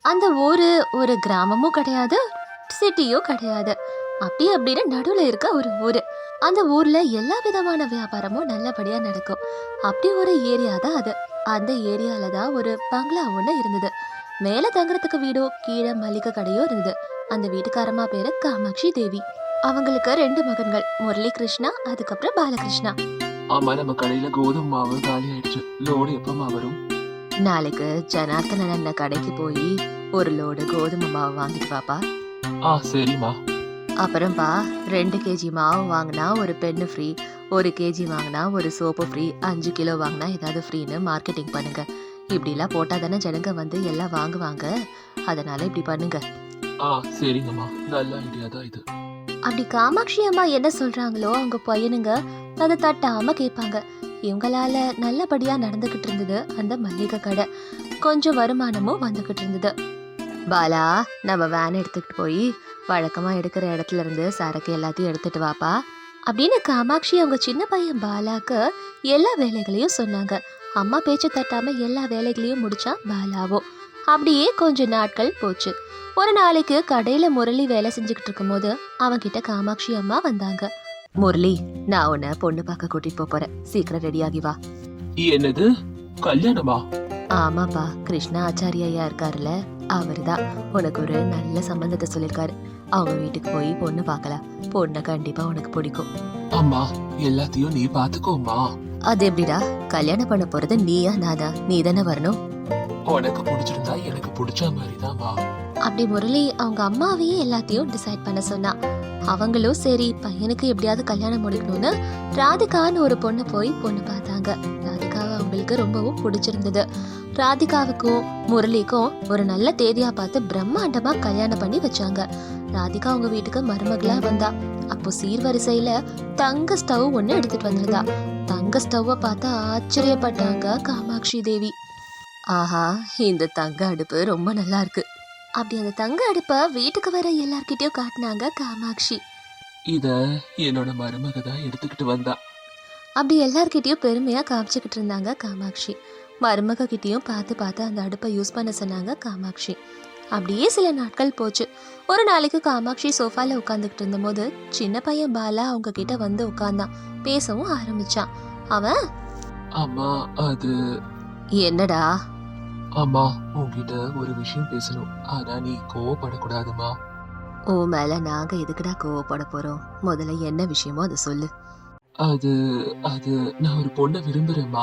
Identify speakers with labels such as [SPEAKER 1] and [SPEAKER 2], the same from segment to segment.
[SPEAKER 1] அந்த ஊரு ஒரு கிராமமும் கிடையாது, சிட்டியும் கிடையாது. அப்படி அப்படின்னு நடுவுல இருக்க ஒரு ஊரு. அந்த ஊர்ல எல்லா விதமான வியாபாரமும் நல்லபடியா நடக்கும். அப்படி ஒரு ஏரியா தான் அது. அந்த ஏரியால தான் ஒரு பங்களா ஒண்ணு இருந்தது. மேல தங்குறதுக்கு வீடோ கீழே மளிகை கடையோ இருந்தது. அந்த வீட்டுக்காரமா பேரு காமாட்சி தேவி. அவங்களுக்கு 2 மகன்கள், முரளி கிருஷ்ணா, அதுக்கப்புறம் பாலகிருஷ்ணா.
[SPEAKER 2] ஆமா, நம்ம கடையில கோதுமை மாவு காலி ஆயிடுச்சு. லோடு எப்பமா வரும்?
[SPEAKER 1] நாளைக்கு ஜனார்த்தனன் அண்ணன் கடைக்கு போய் ஒரு லோடு கோதுமை மாவு வாங்கிட்டு வாப்பா.
[SPEAKER 2] சரிம்மா.
[SPEAKER 1] அப்புறம்பா 2 கேஜி மாவு வாங்கினா ஒரு பென்னு ஃப்ரீ, 1 கேஜி வாங்கினா ஒரு சோப்பு ஃப்ரீ, 5 கிலோ வாங்கினா ஏதாவது ஃப்ரீன்னு மார்க்கெட்டிங் பண்ணுங்க. இப்படிலாம் போட்டா தானே ஜனங்க வந்து எல்லாம் வாங்குவாங்க. அதனால இப்படி பண்ணுங்க.
[SPEAKER 2] சரிங்கம்மா, நல்ல ஐடியா தான் இது.
[SPEAKER 1] அப்படி காமாட்சி அம்மா என்ன சொல்றாங்களோ அவங்க பையனுங்க அதை தட்டாம கேட்பாங்க. இவங்களால நல்லபடியா நடந்துகிட்டு இருந்தது அந்த மல்லிகை கடை. கொஞ்சம் வருமானமும் வந்துகிட்டு இருந்தது. பாலா, நம்ம வேன் எடுத்துக்கிட்டு போய் வழக்கமா எடுக்கிற இடத்துல இருந்து சரக்கு எல்லாத்தையும் எடுத்துட்டு வாப்பா அப்படின்னு காமாட்சி அவங்க சின்ன பையன் பாலாக்கு எல்லா வேலைகளையும் சொன்னாங்க. அம்மா பேச்சு தட்டாம எல்லா வேலைகளையும் முடிச்சா பாலாவோ. அப்படியே கொஞ்ச நாட்கள் போச்சு. ஒரு நாளைக்கு கடையில முரளி வேலை செஞ்சுக்கிட்டு இருக்கும் போது அவன்கிட்ட காமாட்சி அம்மா வந்தாங்க. முரளி, நான் உன்னை பொண்ணு பார்க்க கூட்டிட்டு போறேன், சீக்கிரம் ரெடியாகி வா.
[SPEAKER 2] என்னது, கல்யாணமா?
[SPEAKER 1] ஆமாப்பா, கிருஷ்ணா ஆச்சாரியா ஐயா இருக்காருல்ல, அவருதான் உனக்கு ஒரு நல்ல சம்பந்தத்தை சொல்லிருக்காரு. அவங்க வீட்டுக்கு போய் பொண்ணு பார்க்கலாம். பொண்ணை கண்டிப்பா உனக்கு பிடிக்கும்.
[SPEAKER 2] அம்மா, எல்லாத்தையும் நீ பாத்துக்கோமா.
[SPEAKER 1] அது எப்படிடா, கல்யாணம் பண்ண போறது நீயா நானா? நீ தானே வரணும்.
[SPEAKER 2] உனக்கு பிடிச்சிருந்தா எனக்கு பிடிச்ச மாதிரிதான்மா.
[SPEAKER 1] அப்படி முரளி அவங்க அம்மாவையே எல்லாத்தையும் டிசைட் பண்ண சொன்னா. அவங்களும் சரி பையனுக்கு எப்படியாவது கல்யாணம் முடிக்கணும்னு ராதிகான்னு ஒரு பொண்ணு போய் பொண்ணு பார்த்தாங்க. ராதிகாவை அவங்களுக்கு ரொம்பவும் பிடிச்சிருந்தது. ராதிகாவுக்கும் முரளிக்கும் ஒரு நல்ல தேதியா பார்த்து பிரம்மாண்டமா கல்யாணம் பண்ணி வச்சாங்க. ராதிகா அவங்க வீட்டுக்கு மருமகளா வந்தா. அப்போ சீர்வரிசையில தங்க ஸ்டவ் ஒண்ணு எடுத்துட்டு வந்திருந்தா. தங்க ஸ்டவ்வை பார்த்து ஆச்சரியப்பட்டாங்க காமாட்சி தேவி. ஆஹா, இந்த தங்க அடுப்பு ரொம்ப நல்லா இருக்கு. அப்படி அந்த தங்க அடுப்ப வீட்டுக்கு வர எல்லார்கிட்டயும் காட்டினாங்க காமாட்சி.
[SPEAKER 2] இத என்னோட மருமக தான் எடுத்துக்கிட்டு வந்தா.
[SPEAKER 1] அப்படி எல்லார்கிட்டயும் பெருமையா காமிச்சுக்கிட்டு இருந்தாங்க காமாட்சி. மருமக கிட்டயும் பார்த்து பார்த்து அந்த அடுப்பை யூஸ் பண்ண சொன்னாங்க காமாட்சி. அப்படியே சில நாட்கள் போச்சு. ஒரு நாளைக்கு காமாட்சி சோஃபால உட்காந்துக்கிட்டு இருந்த போது சின்ன பையன் பாலா அவங்க கிட்ட வந்து உட்கார்ந்தான். பேசவும் ஆரம்பிச்சான். அவன்,
[SPEAKER 2] அம்மா, அது
[SPEAKER 1] என்னடா?
[SPEAKER 2] அம்மா, உன்கிட்ட ஒரு விஷயம் பேசணும். ஆனா நீ கோவப்படக்கூடாதுமா.
[SPEAKER 1] ஓ மேல நாங்க எதுக்குடா கோவப்பட போறோம்? முதல்ல என்ன விஷயமோ அதை சொல்லு.
[SPEAKER 2] அது அது நான் ஒரு பொண்ணை விரும்புறேம்மா.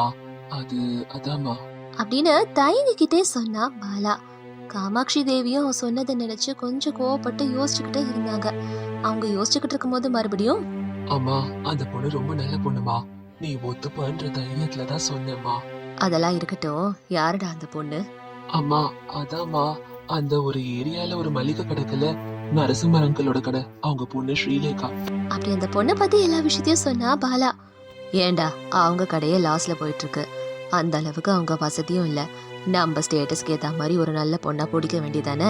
[SPEAKER 2] அதாம்மா
[SPEAKER 1] அப்படின்னு தயங்கிக்கிட்டே சொன்னா பாலா. காமாட்சி தேவியும் சொன்னதை நினைச்சு கொஞ்சம் கோவப்பட்டு யோசிச்சுக்கிட்டே இருந்தாங்க. அவங்க யோசிச்சுக்கிட்டு இருக்கும் போது மறுபடியும்,
[SPEAKER 2] அம்மா, அந்த பொண்ணு ரொம்ப நல்ல பொண்ணுமா. நீ ஒத்துப்பன்ற தைரியத்துலதான் சொன்னேம்மா.
[SPEAKER 1] அதெல்லாம் இருக்கட்டும், யாருடா அந்த பொண்ணு?
[SPEAKER 2] அம்மா, அதாம்மா, அந்த ஒரு ஏரியால ஒரு மளிகை கடைக்குல நரசிம்மர் அங்கிளோட கடை. அவங்க பொண்ணு ஸ்ரீலேகா.
[SPEAKER 1] அப்படி அந்த பொண்ணை பத்தி எல்லா விஷயத்தையும் சொன்னா பாலா. ஏண்டா, அவங்க கடையே லாஸ்ல போயிட்டு இருக்கு. அந்த அளவுக்கு அவங்க வசதியும் இல்ல. நம்ம ஸ்டேட்டஸ்க்கு ஏத்த மாதிரி ஒரு நல்ல பொண்ணா பிடிக்க வேண்டியதானே?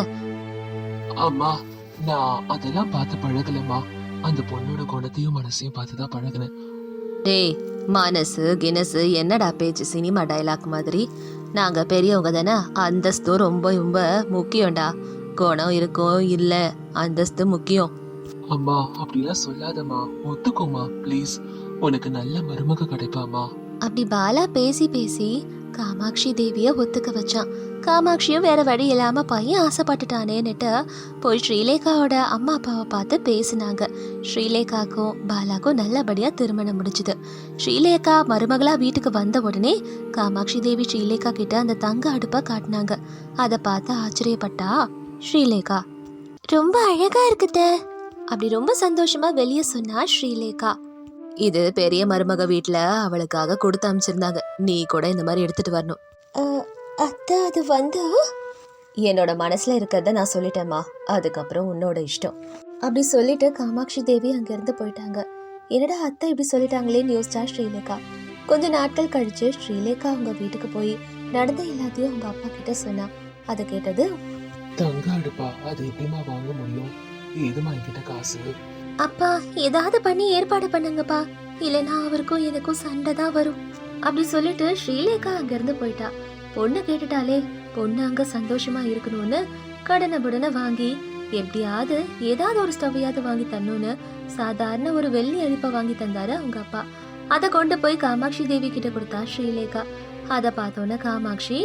[SPEAKER 2] அம்மா, நான் அதெல்லாம் பார்த்து பழகலம்மா. அந்த பொண்ணோட குணத்தையும் மனசையும் பார்த்துதான் பழகினேன்.
[SPEAKER 1] டேய், மனசு கினசு என்னடா பேச்சு, சினிமா டைலாக் மாதிரி. நாங்க பெரியவங்க தானே, அந்தஸ்து ரொம்ப ரொம்ப முக்கியம்டா. குணம் இருக்கும் இல்ல, அந்தஸ்து முக்கியம்.
[SPEAKER 2] அம்மா, அப்படிலாம் சொல்லாதம்மா. ஒத்துக்கோமா ப்ளீஸ். உனக்கு நல்ல மருமக கிடைப்பாமா.
[SPEAKER 1] அப்படி பாலா பேசி பேசி காமாட்சி தேவிய ஒத்துக்க வச்சான். காமாட்சியும் வேற வழி இல்லாம பையன் ஆசைப்பட்டுட்டானேன்னுட்டு போய் ஸ்ரீலேகாவோட அம்மா அப்பாவை பார்த்து பேசினாங்க. ஸ்ரீலேகாக்கும் பாலாக்கும் நல்லபடியா திருமணம் முடிச்சுது. ஸ்ரீலேகா மருமகளா வீட்டுக்கு வந்த உடனே காமாட்சி தேவி ஸ்ரீலேகா கிட்ட அந்த தங்க அடுப்பை காட்டினாங்க. அதை பார்த்து ஆச்சரியப்பட்டா ஸ்ரீலேகா. ரொம்ப அழகா இருக்குத அப்படி ரொம்ப சந்தோஷமா வெளியே சொன்னா ஸ்ரீலேகா. இது பெரிய மருமக வீட்டுல அவளுக்காக கொடுத்து அமைச்சிருந்தாங்க. நீ கூட இந்த மாதிரி எடுத்துட்டு வரணும். அத்தை, அது வந்து என்னோட மனசுல இருக்கிறத நான் சொல்லிட்டேம்மா, அதுக்கப்புறம் உன்னோட இஷ்டம் அப்படி சொல்லிட்டு காமாட்சி தேவி அங்கிருந்து போயிட்டாங்க. என்னடா அத்தை இப்படி சொல்லிட்டாங்களேன்னு யோசிச்சா ஸ்ரீலேகா. கொஞ்ச நாட்கள் கழிச்சு ஸ்ரீலேகா அவங்க வீட்டுக்கு போய் நடந்த எல்லாத்தையும் அவங்க அப்பா கிட்ட சொன்னா. அதை கேட்டது,
[SPEAKER 2] தங்க அடுப்பா, அது எப்படிமா வாங்க முடியும்? ஏதுமா என்கிட்ட காசு?
[SPEAKER 1] அப்பா, ஏதாவது பண்ணி ஏற்பாடு பண்ணுங்கப்பா, இல்லைன்னா அவருக்கும் எனக்கும் சண்டை தான் வரும் அப்படி சொல்லிட்டு ஸ்ரீலேகா அங்கிருந்து போயிட்டா. பொண்ணு கேட்டுட்டாலே பொண்ணு அங்க சந்தோஷமா இருக்கணும்னு கடனை புடனை வாங்கி எப்படியாவது ஏதாவது ஒரு ஸ்டவ்வையாவது வாங்கி தரணும்னு சாதாரண ஒரு வெள்ளி அடுப்பை வாங்கி தந்தாரு அவங்க அப்பா. அதை கொண்டு போய் காமாட்சி தேவி கிட்ட கொடுத்தா ஸ்ரீலேகா. அதை பார்த்தோன்னே காமாட்சி,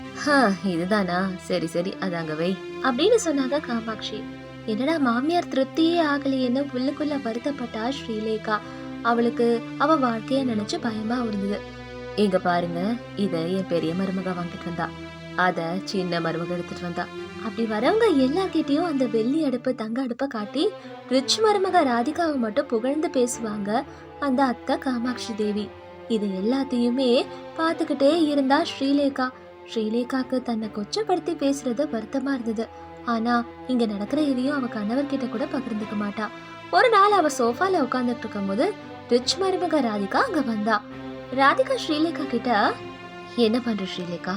[SPEAKER 1] இதுதானா, சரி சரி அது அங்க வை அப்படின்னு சொன்னாங்க காமாட்சி. என்னடா மாமியார் திருப்தியே ஆகலையேன்னு உள்ளுக்குள்ள வருத்தப்பட்டா ஸ்ரீலேகா. அவளுக்கு அவ வாழ்க்கைய நினைச்சு பயமா இருந்தது. இங்க பாருங்க, இத என் பெரிய மருமக வாங்கிட்டு வந்தா, அத சின்ன மருமக எடுத்துட்டு வந்தா. அப்படி வரவங்க எல்லார்கிட்டயும் அந்த வெள்ளி அடுப்பு தங்க அடுப்பை காட்டி ரிச் மருமக ராதிகாவை மட்டும் புகழ்ந்து பேசுவாங்க அந்த அத்தை காமாட்சி தேவி. இது எல்லாத்தையுமே பார்த்துக்கிட்டே இருந்தா ஸ்ரீலேகா. ஸ்ரீலேகாக்கு தன்னை கொச்சப்படுத்தி பேசுறது வருத்தமா இருந்தது. ஆனா இங்க நடக்கிற எதையும் அவ கணவர்கிட்ட கூட பகிர்ந்துக்க மாட்டா. ஒரு நாள் அவ சோஃபால உட்கார்ந்துட்டு இருக்கும் போது ரிச் மருமக ராதிகா அங்க வந்தா. ராதிகா ஸ்ரீலேகா கிட்ட, என்ன பண்ற ஸ்ரீலேகா?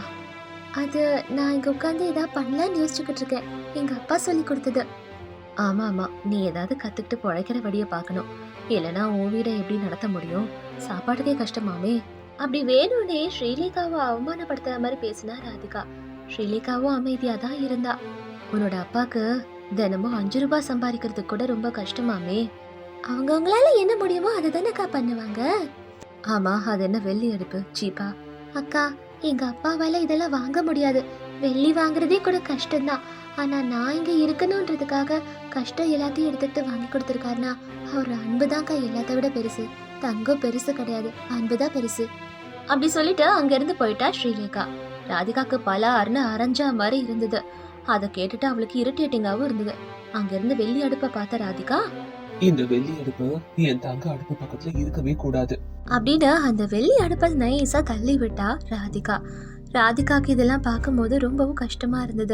[SPEAKER 1] அது நான் இங்க உட்காந்து ஏதாவது பண்ணலான்னு யோசிச்சுக்கிட்டு இருக்கேன், எங்க அப்பா சொல்லி கொடுத்தது. ஆமா ஆமா, நீ ஏதாவது கத்துக்கிட்டு பொழைக்கிற வழிய பாக்கணும், இல்லைன்னா உன் வீடை எப்படி நடத்த முடியும், சாப்பாட்டுக்கே கஷ்டமாமே. அப்படி வேணும்னே ஸ்ரீலேகாவை அவமானப்படுத்துற மாதிரி பேசினா ராதிகா. ஸ்ரீலேகாவும் அமைதியா தான் இருந்தா. உன்னோட அப்பாக்கு தினமும் 5 ரூபாய் சம்பாதிக்கிறதுக்கு கூட ரொம்ப கஷ்டமாமே. அவங்கவுங்களால என்ன முடியுமோ அதை தானேக்கா பண்ணுவாங்க. ஆமா, அது என்ன வெள்ளி அடுப்பு சீப்பா? அக்கா, எங்க அப்பாவால இதெல்லாம் வாங்க முடியாது. வெள்ளி வாங்குறதே கூட கஷ்டம்தான். ஆனா நான் இங்க இருக்கணும்ன்றதுக்காக கஷ்டம் எல்லாத்தையும் எடுத்துட்டு வாங்கி கொடுத்துருக்காருனா அவர் அன்புதான்க்கா எல்லாத்த விட பெருசு. தங்கம் பெருசு கிடையாது, அன்புதான் பெருசு. அப்படி சொல்லிட்டு அங்க இருந்து போயிட்டா ஸ்ரீலேகா. ராதிகாக்கு பல அருண அரைஞ்சா மாதிரி இருந்தது. அதை கேட்டுட்டு அவளுக்கு இரிட்டேட்டிங்காவும் இருந்தது. அங்க இருந்து வெள்ளி அடுப்பை பார்த்த ராதிகா,
[SPEAKER 2] இந்த வெள்ளி அடுப்பு என் தங்க அடுப்பு பக்கத்துல இருக்கவே கூடாது
[SPEAKER 1] அப்படின்னு அந்த வெள்ளி அடுப்பை நைஸா தள்ளி விட்டா ராதிகா. ராதிகாக்கு இதெல்லாம் பார்க்கும்போது ரொம்பவும் கஷ்டமா இருந்தது.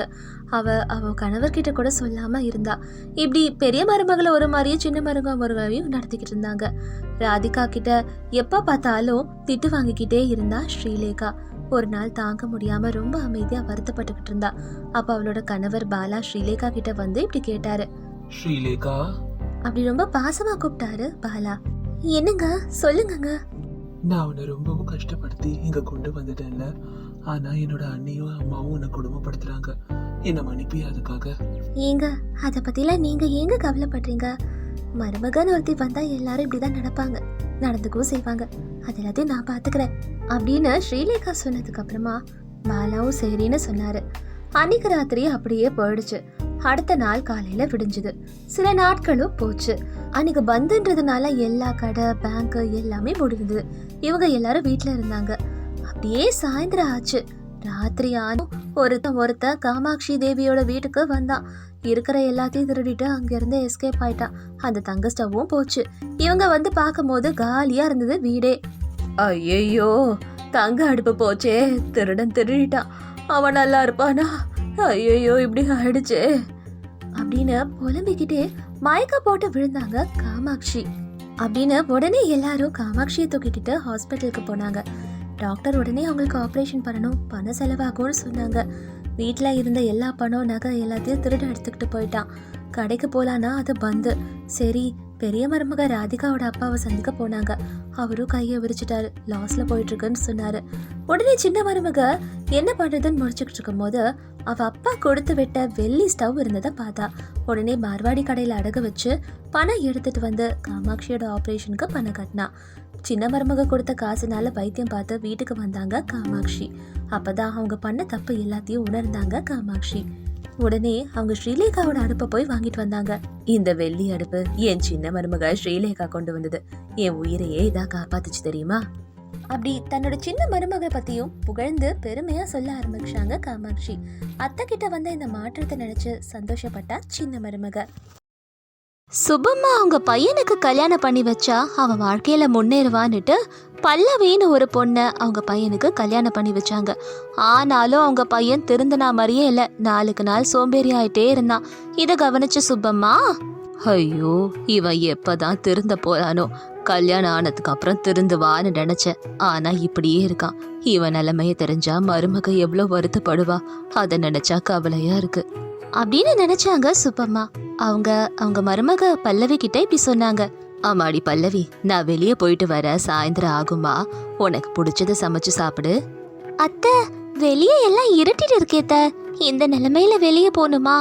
[SPEAKER 1] அவ கணவர்கிட்ட கூட சொல்லாம இருந்தா. இப்படி பெரிய மருமகளை ஒரு மாதிரியும் சின்ன மருமக ஒரு மாதிரியும் நடத்திக்கிட்டு இருந்தாங்க. ராதிகா கிட்ட எப்ப பார்த்தாலும் திட்டு வாங்கிக்கிட்டே இருந்தா ஸ்ரீலேகா. ஒரு நாள் தாங்க முடியாம ரொம்ப அமைதியா வருத்தப்பட்டுக்கிட்டு இருந்தா. அப்ப அவளோட கணவர் பாலா ஸ்ரீலேகா கிட்ட வந்து இப்படி கேட்டாரு.
[SPEAKER 2] ஸ்ரீலேகா,
[SPEAKER 1] அப்படி ரொம்ப பாசமா கூப்பிட்டாரு பாலா. என்னங்க, சொல்லுங்க.
[SPEAKER 2] நான் உன்னை ரொம்பவும் கஷ்டப்படுத்தி இங்க கொண்டு வந்துட்டேன்ல, ஆனா என்னோட அண்ணியும் அம்மாவும் உன்னை கொடுமைப்படுத்துறாங்க. என்ன மன்னிப்பியா அதுக்காக?
[SPEAKER 1] ஏங்க, அத பத்திலாம் நீங்க ஏங்க கவலைப்படுறீங்க? மருமகன் ஒருத்தி வந்தா எல்லாரும் இப்படிதான் நடப்பாங்க, நடந்துக்கவும் செய்வாங்க. அது எல்லாத்தையும் நான் பாத்துக்கிறேன் அப்படின்னு ஸ்ரீலேகா சொன்னதுக்கு அப்புறமா பாலாவும் சரின்னு சொன்னாரு. அன்னைக்கு ராத்திரி அப்படியே போயிடுச்சு. அடுத்த நாள் காலையில விடிஞ்சுது. சில நாட்களும் போச்சு. அன்னைக்கு பந்துன்றதுனால எல்லா கடை பேங்க் எல்லாமே முடிந்தது. இவங்க எல்லாரும் வீட்டுல இருந்தாங்க. அப்படியே சாயந்தரம் ஆச்சு. ராத்திரி ஆனும் ஒருத்த காமாட்சி தேவியோட வீட்டுக்கு வந்தான். இருக்கிற எல்லாத்தையும் திருடிட்டு அங்க இருந்து எஸ்கேப் ஆயிட்டான். அந்த தங்க ஸ்டவ்வும் போச்சு. இவங்க வந்து பார்க்கும் போது காலியா இருந்தது வீடே. ஐயோ, தங்க அடுப்பு போச்சே, திருடன் திருடிட்டான், அவன் நல்லா இருப்பானா? ஐயோ, இப்படி ஆயிடுச்சே அப்படின்னு புலம்பிக்கிட்டே மயக்க போட்டு விழுந்தாங்க காமாட்சி. அப்படின்னு உடனே எல்லாரும் காமாட்சியை தூக்கிட்டு ஹாஸ்பிட்டலுக்கு போனாங்க. டாக்டர் உடனே அவங்களுக்கு ஆப்ரேஷன் பண்ணணும், பணம் செலவாகும்னு சொன்னாங்க. வீட்டில் இருந்த எல்லா பணம் நகை எல்லாத்தையும் திருட எடுத்துக்கிட்டு போயிட்டான். கடைக்கு போலான்னா அது பந்து. சரி, பெரிய மருமக ராதிகாவோட அப்பாவை சந்திக்க போனாங்க. அவரும் கையை விரிச்சிட்டாரு, லாஸ்ல போயிட்டு இருக்குன்னு சொன்னாரு. உடனே சின்ன மருமக என்ன பண்றதுன்னு முடிச்சுக்கிட்டு இருக்கும் போது அவ அப்பா கொடுத்து விட்ட வெள்ளி ஸ்டவ் இருந்ததை பார்த்தா. உடனே மார்வாடி கடையில அடகு வச்சு பணம் எடுத்துட்டு வந்து காமாட்சியோட ஆப்ரேஷனுக்கு பணம் கட்டினா. சின்ன மருமக கொடுத்த காசுனால வைத்தியம் பார்த்து வீட்டுக்கு வந்தாங்க காமாட்சி. அப்பதான் அவங்க பண்ண தப்பு எல்லாத்தையும் உணர்ந்தாங்க காமாட்சி. உடனே அவங்க ஸ்ரீலேகாவோட அடுப்பை போய் வாங்கிட்டு வந்தாங்க. இந்த வெள்ளி அடுப்பு என் சின்ன மருமக ஸ்ரீலேகா கொண்டு வந்தது, என் உயிரையே இதா காப்பாத்துச்சு தெரியுமா? அப்படி தன்னோட சின்ன மருமக பத்தியும் புகழ்ந்து பெருமையா சொல்ல ஆரம்பிச்சாங்க காமாட்சி. அத்தை கிட்ட வந்த இந்த மாற்றத்தை நினைச்சு சந்தோஷப்பட்டா சின்ன மருமக. சுபம்மா அவங்க பையனுக்கு கல்யாணம் பண்ணி வச்சா அவன் வாழ்க்கையில முன்னேறுவான்னுட்டு பல்லவின்னு ஒரு பொண்ணை அவங்க பையனுக்கு கல்யாணம் பண்ணி வச்சாங்க. ஆனாலும் அவங்க பையன் திருந்தினா மாதிரியே இல்லை, நாளுக்கு நாள் சோம்பேறி ஆயிட்டே இருந்தான். இதை கவனிச்ச சுப்பம்மா, ஐயோ இவன் எப்பதான் திருந்த போறானோ, கல்யாணம் ஆனதுக்கு அப்புறம் திருந்துவான்னு நினைச்சேன், ஆனா இப்படியே இருக்கான். இவன் நிலைமைய தெரிஞ்சா மருமக எவ்வளவு வருத்தப்படுவா, அதை நினைச்சா கவலையா இருக்கு அப்படின்னு நினைச்சாங்க சுப்பம்மா. அவங்க மருமக பல்லவி கிட்ட இப்படி சொன்னாங்க. ஆமாடி பல்லவி, நான் வெளியே போயிட்டு வர சாயந்தரம் ஆகுமா, உனக்கு பிடிச்சத சமைச்சு சாப்பிடு. அத்தை, வெளியே எல்லாம் இருட்டிட்டு இருக்கேத்த, இந்த நிலைமையில வெளியே போகணுமா?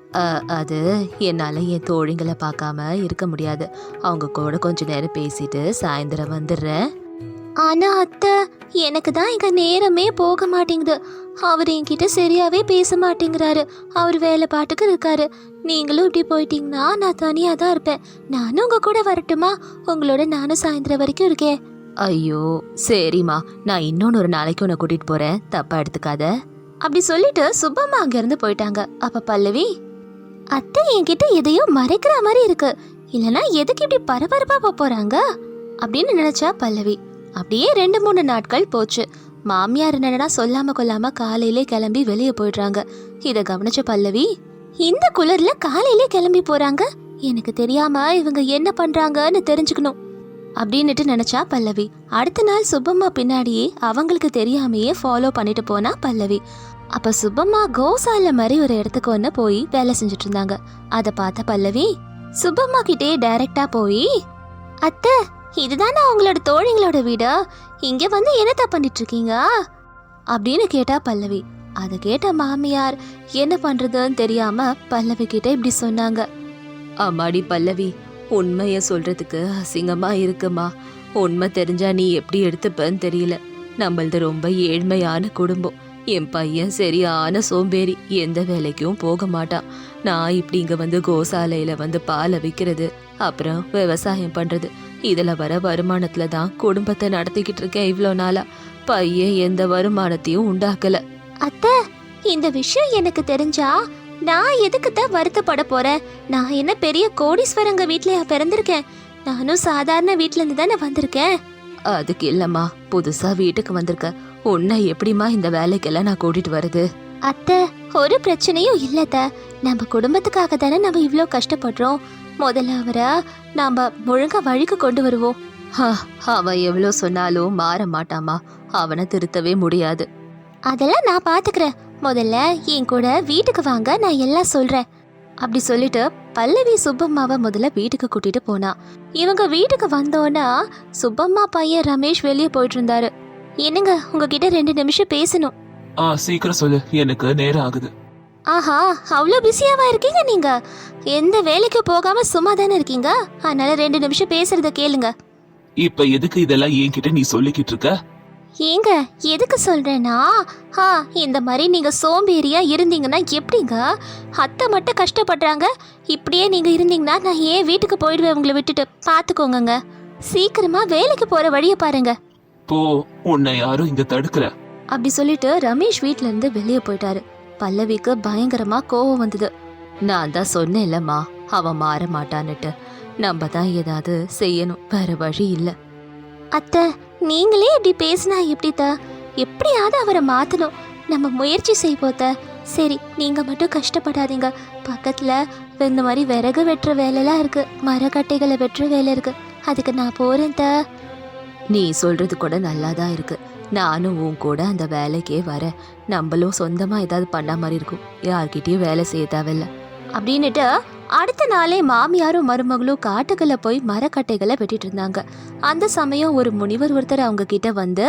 [SPEAKER 1] அது என்னால் என் தோழிங்களை பார்க்காம இருக்க முடியாது. அவங்க கூட கொஞ்ச நேரம் பேசிட்டு சாயந்தரம் வந்துடுறேன். ஆனா அத்தை, எனக்கு தான் இங்க நேரமே போக மாட்டேங்குது. அவர் என்கிட்ட சரியாவே பேச மாட்டேங்கிறாரு. அவர் வேலை பாட்டுக்கு இருக்காரு. நீங்களும் இப்படி போயிட்டீங்கன்னா நான் தனியா தான் இருப்பேன். நானும் உங்க கூட வரட்டுமா? உங்களோட நானும் சாயந்தரம் வரைக்கும் இருக்கேன். ஐயோ சரிம்மா, நான் இன்னொன்னு ஒரு நாளைக்கு உன்னை கூட்டிட்டு போறேன், தப்பா எடுத்துக்காத. அப்படி சொல்லிட்டு சுப்பம்மா அங்க இருந்து போயிட்டாங்க. அப்ப பல்லவி, அத்தை என்கிட்ட எதையோ மறைக்கிற மாதிரி இருக்கு, இல்லனா எதுக்கு இப்படி பரபரப்பா போறாங்க அப்படின்னு நினைச்சா பல்லவி. அப்படியே 2-3 நாட்கள் போச்சு. மாமியார் என்னடா சொல்லாம கொள்ளாம காலையிலே கிளம்பி வெளியே போயிடுறாங்க. இத கவனிச்ச பல்லவி, இந்த குளிர்ல காலையிலே கிளம்பி போறாங்க, எனக்கு தெரியாம இவங்க என்ன பண்றாங்கன்னு தெரிஞ்சுக்கணும் அப்படின்னுட்டு நினைச்சா பல்லவி. அடுத்த நாள் சுப்பம்மா பின்னாடியே அவங்களுக்கு தெரியாமையே ஃபாலோ பண்ணிட்டு போனா பல்லவி. அப்ப சுப்பம்மா கோசால மாதிரி ஒரு இடத்துக்கு ஒன்று போய் வேலை செஞ்சுட்டு இருந்தாங்க. அதை பார்த்த பல்லவி சுப்பம்மா கிட்டே டைரக்டா போய், அத்தை இதுதானே உங்களோட தோழிங்களோட வீடா? இங்க வந்து என்னத்த பண்ணிட்டு இருக்கீங்க அப்படின்னு கேட்டா பல்லவி. அதை கேட்ட மாமியார் என்ன பண்றதுன்னு தெரியாம பல்லவி கிட்ட இப்படி சொன்னாங்க. அம்மாடி பல்லவி, உண்மைய சொல்றதுக்கு அசிங்கமா இருக்குமா. உண்மை தெரிஞ்சா நீ எப்படி எடுத்துப்பன்னு தெரியல. நம்மளது ரொம்ப ஏழ்மையான குடும்பம். என் பையன் சரியான சோம்பேறி, எந்த வேலைக்கும் போக மாட்டான். நான் இப்படி இங்க வந்து கோசாலையில வந்து பாலை விற்கிறது, அப்புறம் விவசாயம் பண்றது, இதுல வர வருமானத்துல தான் குடும்பத்தை நடத்திக்கிட்டு இருக்கேன் இவ்வளோ நாளா. பையன் எந்த வருமானத்தையும் உண்டாக்கல. அத்தை, இந்த விஷயம் எனக்கு தெரிஞ்சா நான் எதுக்கு தான் வருத்தப்பட போறேன்? நான் என்ன பெரிய கோடீஸ்வரங்க வீட்லயா பிறந்திருக்கேன்? நானும் சாதாரண வீட்ல இருந்து தானே வந்திருக்கேன். அதுக்கு இல்லம்மா, புதுசா வீட்டுக்கு வந்திருக்க, உன்னை எப்படிமா இந்த வேலைக்கெல்லாம் நான் கூட்டிட்டு வருது? அத்தை, ஒரு பிரச்சனையும் இல்லத்த. நம்ம குடும்பத்துக்காக தானே நம்ம இவ்ளோ கஷ்டப்படுறோம். முதல்ல அவரை நாம ஒழுங்கா வழிக்கு கொண்டு வருவோம். அவன் எவ்வளோ சொன்னாலும் மாற மாட்டாமா, அவனை திருத்தவே முடியாது. அதெல்லாம் நான் பாத்துக்கிறேன். முதல்ல என் கூட வீட்டுக்கு வாங்க, நான் எல்லாம் சொல்றேன் அப்படி சொல்லிட்டு பல்லவி சுப்பம்மாவை முதல்ல வீட்டுக்கு கூட்டிட்டு போனா. இவங்க வீட்டுக்கு வந்தோன்னா சுப்பம்மா பையன் ரமேஷ் வெளியே போயிட்டு இருந்தாரு. என்னங்க, உங்ககிட்ட 2 நிமிஷம் பேசணும்.
[SPEAKER 2] சீக்கிரம் சொல்லு, எனக்கு நேரம் ஆகுது.
[SPEAKER 1] ஆஹா, அவ்வளோ பிஸியாவா இருக்கீங்க நீங்க? எந்த வேலைக்கு போகாம சும்மா தானே இருக்கீங்க, அதனால 2 நிமிஷம் பேசுறத கேளுங்க.
[SPEAKER 2] இப்ப எதுக்கு இதெல்லாம் என்கிட்ட நீ சொல்லிக்கிட்டு இருக்க?
[SPEAKER 1] ஏங்க, எதுக்கு சொல்றேன்னா, இந்த மாதிரி நீங்க சோம்பேறியா இருந்தீங்கன்னா எப்படிங்க? அத்தை மட்டும் கஷ்டப்படுறாங்க, இப்படியே நீங்க இருந்தீங்கன்னா நான் ஏன் வீட்டுக்கு போயிடுவேன் உங்களை விட்டுட்டு. பாத்துக்கோங்க, சீக்கிரமா வேலைக்கு போற வழிய பாருங்க.
[SPEAKER 2] போ, உன்னை யாரும் இங்க தடுக்கல.
[SPEAKER 1] அப்படி சொல்லிட்டு ரமேஷ் வீட்ல இருந்து வெளியே போயிட்டாரு. பல்லவிக்கு பயங்கரமா கோவம் வந்தது. நான் தான் சொன்னேன்லம்மா, அவன் மாற மாட்டான்னுட்டு. நம்ம தான் ஏதாவது செய்யணும், வேற வழி இல்ல. அத்தை, நீங்களே இப்படி பேசினா எப்படித்த? எப்படியாவது அவரை மாத்தணும். நம்ம முயற்சி செய்வோத்த. சரி, நீங்க மட்டும் கஷ்டப்படாதீங்க. பக்கத்துல இந்த மாதிரி விறகு வெட்டுற வேலைலாம் இருக்கு, மரக்கட்டைகளை வெட்டுற வேலை இருக்கு, அதுக்கு நான் போறேன் த. நீ சொல்றது கூட நல்லாதான் இருக்கு. நானும் உன் கூட அந்த வேலைக்கே வரேன். நம்மளும் சொந்தமா ஏதாவது பண்ண மாதிரி இருக்கும், யார்கிட்டயும் வேலை செய்ய தேவையில்ல அப்படின்னுட்டு அடுத்த நாளே மாமியாரும் மருமகளும் காட்டுக்குள்ள போய் மரக்கட்டைகளை வெட்டிட்டு இருந்தாங்க. அந்த சமயம் ஒரு முனிவர் ஒருத்தர் அவங்க கிட்ட வந்து,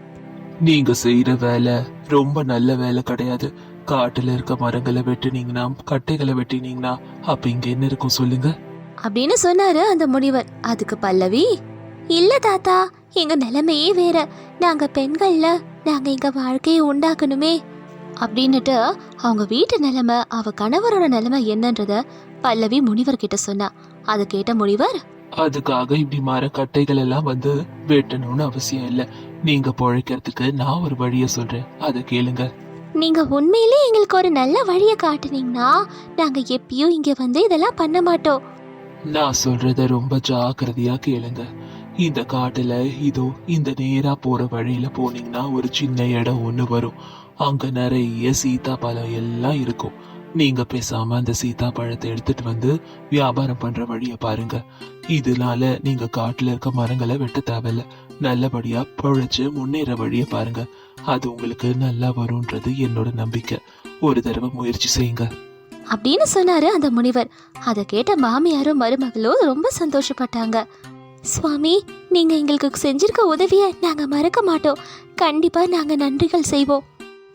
[SPEAKER 2] நீங்க செய்யற வேலை ரொம்ப நல்ல வேலை கிடையாது. காட்டுல இருக்க மரங்களை வெட்டினீங்கன்னா, கட்டைகளை வெட்டினீங்கன்னா அப்ப இங்க என்ன இருக்கும் சொல்லுங்க
[SPEAKER 1] அப்படின்னு சொன்னாரு அந்த முனிவர். அதுக்கு பல்லவி, இல்ல தாத்தா, எங்க நிலைமையே வேற. நாங்க பெண்கள்ல, நாங்க எங்க வாழ்க்கையை உண்டாக்கணுமே அப்படின்னுட்டு அவங்க வீட்டு நிலைமை, அவ கணவரோட நிலைமை என்னன்றத பல்லவி முனிவர் கிட்ட சொன்னா. அதை கேட்ட முனிவர்,
[SPEAKER 2] அதுக்காக இப்படி மரக்கட்டைகள் எல்லாம் வந்து வெட்டணும்னு அவசியம் இல்ல. நீங்க பொழைக்கிறதுக்கு நான் ஒரு வழிய சொல்றேன், அதை கேளுங்க.
[SPEAKER 1] நீங்க உண்மையிலே எங்களுக்கு ஒரு நல்ல வழிய காட்டுனீங்கன்னா நாங்க எப்பயும் இங்க வந்து இதெல்லாம் பண்ண மாட்டோம்.
[SPEAKER 2] நான் சொல்றத ரொம்ப ஜாக்கிரதையா கேளுங்க. இந்த காட்டுல இதோ இந்த நேரா போற வழியில போனீங்கன்னா ஒரு சின்ன இடம் ஒண்ணு வரும். அங்க நிறைய சீதாப்பழம் எல்லாம் இருக்கும். நீங்க பேசாம அந்த சீதாப்பழத்தை எடுத்துட்டு வந்து வியாபாரம் பண்ற வழிய பாருங்க. இதனால நீங்க காட்டுல இருக்க மரங்களை வெட்ட தேவையில்ல. நல்லபடியா பொழைச்சு முன்னேற வழிய பாருங்க. அது உங்களுக்கு நல்லா வரும்ன்றது என்னோட நம்பிக்கை. ஒரு தடவை முயற்சி செய்யுங்க
[SPEAKER 1] அப்படின்னு சொன்னாரு அந்த முனிவர். அதை கேட்ட மாமியாரும் மருமகளும் ரொம்ப சந்தோஷப்பட்டாங்க. சுவாமி, நீங்க எங்களுக்கு செஞ்சிருக்க உதவிய நாங்க மறக்க மாட்டோம். கண்டிப்பா நாங்க நன்றிகள் செய்வோம்.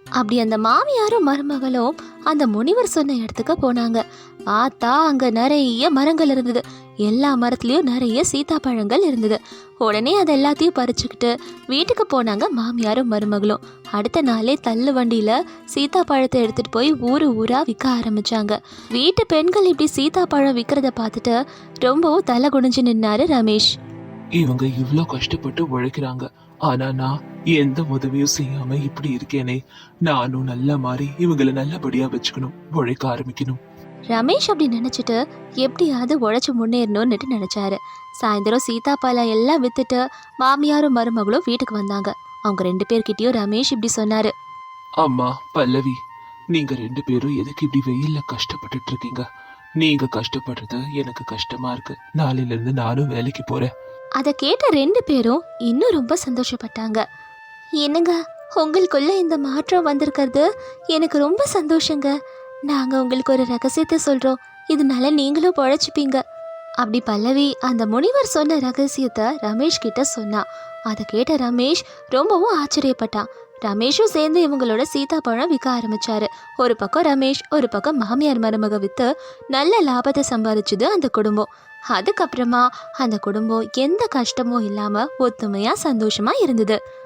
[SPEAKER 1] அப்படி அந்த மாமியாரும் மருமகளும் அந்த முனிவர் சொன்ன இடத்துக்கு போனாங்க. பார்த்தா அங்க நிறைய மரங்கள் இருந்தது. எல்லா மரத்துலயும் நிறைய சீதாப்பழங்கள் இருந்தது. உடனே அது எல்லாத்தையும் பறிச்சுக்கிட்டு வீட்டுக்கு போனாங்க மாமியாரும் மருமகளும். அடுத்த நாளே தள்ளு வண்டியில சீதாப்பழத்தை எடுத்துட்டு போய் ஊரு ஊரா விற்க ஆரம்பிச்சாங்க. வீட்டு பெண்கள் இப்படி சீதாப்பழம் விற்கிறத பார்த்துட்டு ரொம்பவும் தலை குனிஞ்சு நின்னாரு ரமேஷ்.
[SPEAKER 2] இவங்க இவ்ளோ கஷ்டப்பட்டு உழைக்கிறாங்க, ஆனா நான் எந்த உதவியும் செய்யாம இப்படி இருக்கேனே. நானும் நல்ல மாதிரி இவங்களை நல்லபடியா வச்சுக்கணும், உழைக்க ஆரம்பிக்கணும்.
[SPEAKER 1] ரமேஷ் அப்படி நினைச்சிட்டு எப்படியாவது உழைச்சு முன்னேறணும்னுட்டு நினைச்சாரு. சாயந்தரம் சீதாப்பழம் எல்லாம் வித்துட்டு மாமியாரும் மருமகளும் வீட்டுக்கு வந்தாங்க. அவங்க 2 பேர்கிட்டயும் ரமேஷ் இப்படி சொன்னாரு.
[SPEAKER 2] அம்மா பல்லவி, நீங்க 2 பேரும் எதுக்கு இப்படி வெயில்ல கஷ்டப்பட்டுட்டு இருக்கீங்க? நீங்க கஷ்டப்படுறது எனக்கு கஷ்டமா இருக்கு. நாளையில இருந்து நானும் வேலைக்கு போறேன்.
[SPEAKER 1] அதை கேட்ட 2 பேரும் இன்னும் ரொம்ப சந்தோஷப்பட்டாங்க. என்னங்க, உங்களுக்குள்ள இந்த மாற்றம் வந்திருக்கிறது எனக்கு ரொம்ப சந்தோஷங்க. நாங்க உங்களுக்கு ஒரு ரகசியத்தை சொல்றோம், இதனால நீங்களும் பொழைச்சிப்பீங்க. அப்படி பல்லவி அந்த முனிவர் சொன்ன ரகசியத்தை ரமேஷ் கிட்ட சொன்னா. அதை கேட்ட ரமேஷ் ரொம்பவும் ஆச்சரியப்பட்டான். ரமேஷும் சேர்ந்து இவங்களோட சீதாப்பழம் விற்க ஆரம்பிச்சாரு. ஒரு பக்கம் ரமேஷ், ஒரு பக்கம் மாமியார் மருமக வித்து நல்ல லாபத்தை சம்பாதிச்சுது அந்த குடும்பம். அதுக்கப்புறமா அந்த குடும்பம் எந்த கஷ்டமும் இல்லாம ஒத்துமையா சந்தோஷமா இருந்தது.